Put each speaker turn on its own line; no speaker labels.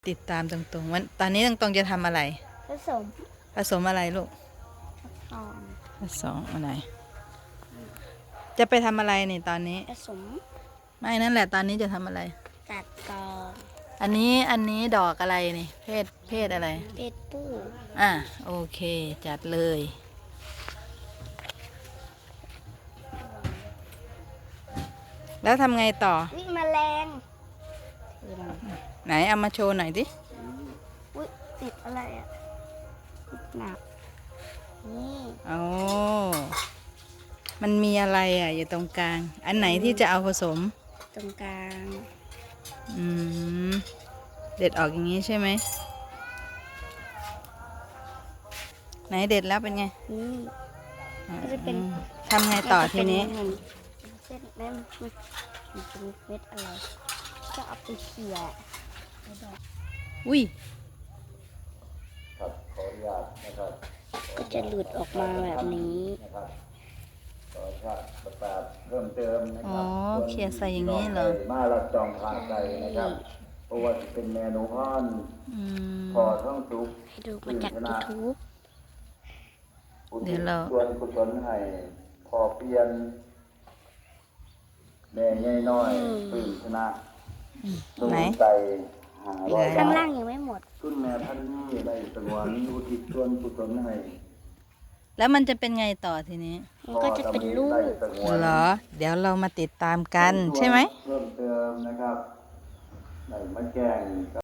ติดตามตรงๆวันตอนนี้ตรงๆจะทำอะไร
ผสม
ผสมอะไรลูก
อ่อน
ผสมอะไรจะไปทำอะไรนี่ตอนนี้
ผสม
ไม่นั่นแหละตอนนี้จะทำอะไร
ตัดกอง
อันนี้ดอกอะไรนี่เพศอะไร
เป็ดปู
โอเคจัดเลย แล้วทำไงต่อ
วิ่งแมลง
ไหนเอามาโชว์หน่อยดิ
อุ้ยติดอะไรอ่ะติดหนักนี่
โอ้มันมีอะไรอยู่ตรงกลางอันไหนที่จะเอาผสม
ตรงกลาง
อืมเด็ดออกอย่างนี้ใช่ไหมไหนเด็ดแล้วเป็นไง
นี่ก็จะเป็น
ทำไงต่อทีนี้
เส้นแม่มันเป็นเม็ดอะไรจะเอาไปเขี่ย
อุ้ย
ครับขออนุญาตนะครับ
ก็จะหลุดออกมาแบบนี้
นะครับขออนุญาตประกาศเพิ่มเติมนะครั
เขี่ยใส่อย่างนี้เหรอ
มาลัดจองพาใจนะครับเพราะว่าเป็นเมนูพ่อนพอท่องสุก
ดูมาจาก YouTube
เดี๋ยวเรา
ส่วนกุศลให้พอเปลี่ยนแม่ใหญ่น้อยตื่นชนะ
ไหน
ใจ500
ข้างล่างยังไม่หมด
คุณแม่ท่านนี้ได้สงวนอุทิศส่วนกุศลให้
แล้วมันจะเป็นไงต่อทีนี้
มันก็จะเป็นลูก
เหรอเดี๋ยวเรามาติดตามกันใช่ไหม
เพิ่มเติมนะครับในมะแกง